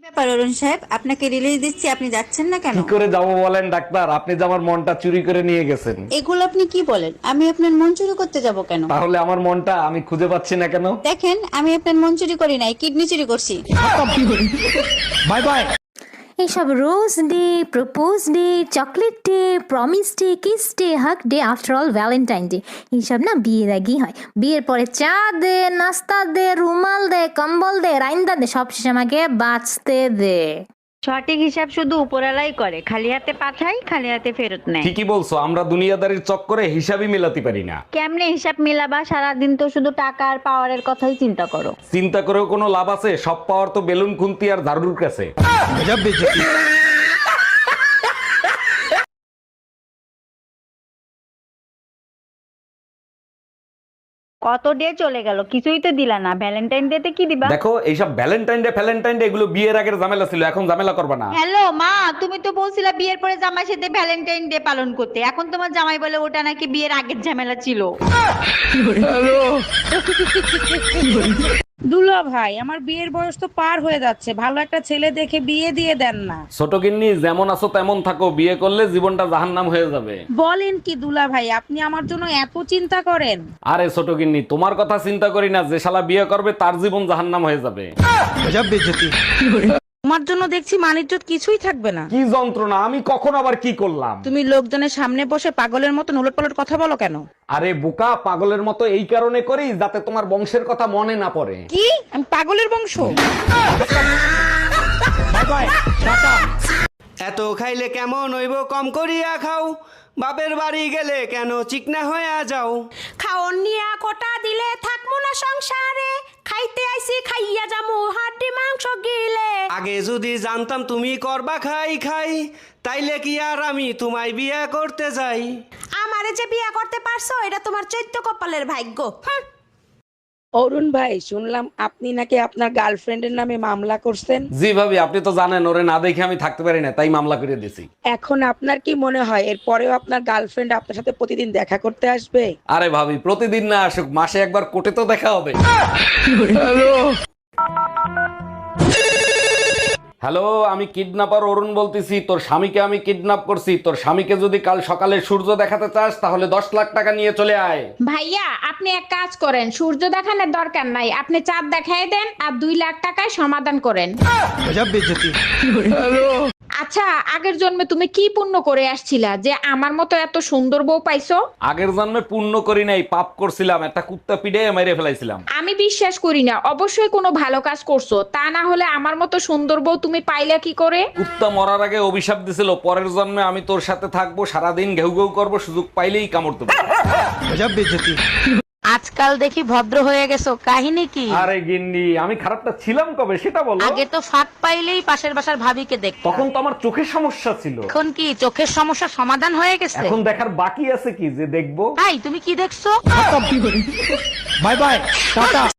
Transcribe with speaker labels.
Speaker 1: ব্যাপার অরুণ সাহেব, আপনাকে রিলিজ দিচ্ছি, আপনি যাচ্ছেন না কেন?
Speaker 2: কি করে যাবো বলেন ডাক্তার? আপনি যে আমার মনটা চুরি করে নিয়ে গেছেন।
Speaker 1: এগুলো আপনি কি বলেন? আমি আপনার মন চুরি করতে যাব কেন?
Speaker 2: তাহলে আমার মনটা আমি খুঁজে পাচ্ছি না কেন?
Speaker 1: দেখেন, আমি আপনার মন চুরি করি নাই, কিডনি চুরি করছি।
Speaker 2: Bye bye.
Speaker 3: এইসব rose day, propose day, chocolate day, promise day, kiss day, hug day, after all Valentine day এইসব না বিয়ের আগেই হয়। বিয়ের পরে চা দে, নাস্তা দে, রুমাল দে, কম্বল দে, রাইন্দা দে, সব শেষে আমাকে বাঁচতে দে।
Speaker 4: সঠিক হিসাব শুধু উপরালাই করে, খালি হাতে পাঠাই, খালি হাতে ফেরত নেয়।
Speaker 2: ঠিকই বলছো, আমরা দুনিয়াদারির চক্করে হিসাবই মেলাতে পারি না।
Speaker 4: কেমনে হিসাব মিলাবা? সারাদিন তো শুধু টাকা আর পাওয়ারের কথাই চিন্তা করো।
Speaker 2: চিন্তা করেও কোনো লাভ আছে? সব পাওয়ার তো বেলুন খুন্তি আর ঝাড়ুর কাছে।
Speaker 4: কত ডে চলে গেল, কিছুই তো দিলা না। ভ্যালেন্টাইন ডে তে কি দিবা?
Speaker 2: দেখো, এইসব ভ্যালেন্টাইন ডে ফ্যালেন্টাইন ডে এগুলো বিয়ের আগের ঝামেলা ছিল, এখন ঝামেলা করবে না।
Speaker 4: হ্যালো মা, তুমি তো বলছিলা বিয়ের পরে জামাই সাথে ভ্যালেন্টাইন ডে পালন করতে, এখন তোমার জামাই বলে ওটা নাকি বিয়ের আগের ঝামেলা ছিল।
Speaker 5: দুলা ভাই, আমার বিয়ের বয়স তো পার হয়ে যাচ্ছে, ভালো একটা ছেলে দেখে বিয়ে দিয়ে দেন না।
Speaker 2: ছোট গিন্নি, যেমন আছো তেমন থাকো, বিয়ে করলে জীবনটা জাহান্নাম হয়ে যাবে।
Speaker 5: বলেন কি দুলা ভাই, আপনি আমার জন্য এত চিন্তা করেন?
Speaker 2: আরে ছোট গিন্নি, তোমার কথা চিন্তা করি না, যে শালা বিয়ে করবে তার জীবন জাহান্নাম হয়ে যাবে।
Speaker 5: তোমার জন্য দেখছি মানিজ্জত কিছুই থাকবে না।
Speaker 2: কি যন্ত্রণা! আমি কখন আবার কি করলাম?
Speaker 5: তুমি লোকজনের সামনে বসে পাগলের মতো উলটপালট কথা বলো কেন?
Speaker 2: আরে বোকা, পাগলের মতো এই কারণে করি যাতে তোমার বংশের কথা মনে না পড়ে।
Speaker 5: কি আমি পাগলের বংশ?
Speaker 6: এত খাইলে কেমন হইব, কম করিয়া খাও। বাপের বাড়ি গেলে কেন চিকনা হইয়া যাও।
Speaker 7: খাওন নিয়া কোটা দিলে থাকবো না সংসারে, খাইতে আইছি খাইয়া যামু হাড্ডি মাংস গিলে।
Speaker 6: আগে যদি জানতাম তুমি করবা খাই খাই, তাইলে কি আর আমি তোমায় বিয়া করতে যাই।
Speaker 7: আমারে যে বিয়া করতে পারছো এটা তোমার চৈত্য কপালের ভাগ্য।
Speaker 5: অরুণ ভাই, শুনলাম আপনি নাকি আপনার গার্লফ্রেন্ডের নামে মামলা করছেন।
Speaker 2: জি ভাবি, আপনি তো জানেন ওরে না দেখে আমি থাকতে পারি না, তাই মামলা করে দিয়েছি।
Speaker 5: এখন আপনার কি মনে হয় এরপরেও আপনার গার্লফ্রেন্ড আপনার সাথে প্রতিদিন দেখা করতে আসবে?
Speaker 2: আরে ভাবি, প্রতিদিন না আসুক, মাসে একবার কোর্টে তো দেখা হবে। হ্যালো, আমি কিডন্যাপার অরুণ বলতেছি। তোর স্বামীকে আমি কিডন্যাপ করছি। তোর স্বামীকে যদি কাল সকালে সূর্য দেখাতে চাস তাহলে 10 লাখ টাকা নিয়ে চলে আয়।
Speaker 8: ভাইয়া, আপনি এক কাজ করেন, সূর্য দেখানোর দরকার নাই, আপনি চাঁদ দেখাই দেন আর 2 লাখ টাকায় সমাধান করেন। আচ্ছা, আগের জন্মে তুমি কি পুণ্য করে আসছিলা যে আমার মতো এত সুন্দর বউ পাইছো?
Speaker 2: আগের জন্মে পুণ্য করি নাই, পাপ করছিলাম। একটা কুত্তা পিড়ে মেরে ফেলাইছিলাম।
Speaker 8: আমি বিশ্বাস করি না, অবশ্যই কোনো ভালো কাজ করছো, তা না হলে আমার মতো সুন্দর বউ তুমি পাইলা কি করে?
Speaker 2: কুত্তা মরার আগে অভিশাপ দিছিল, পরের জন্মে আমি তোর সাথে থাকবো, সারাদিন ঘেউ ঘেউ করবো, সুযোগ পাইলেই কামড় দেবো।
Speaker 5: আজকাল দেখি ভদ্র হয়ে গেছো, কাহিনী কি?
Speaker 2: আরে গিন্নি, আমি খারাপটা ছিলাম কবে সেটা বলো।
Speaker 5: আগে তো ফাঁক পাইলেই পাশের বাসার ভাবিকে দেখ,
Speaker 2: তখন তো আমার চোখের সমস্যা ছিল।
Speaker 5: এখন কি চোখের সমস্যার সমাধান হয়ে গেছে?
Speaker 2: এখন দেখার বাকি আছে কি যে দেখবো।
Speaker 5: ভাই, তুমি কি দেখছো?
Speaker 2: Bye bye, tata.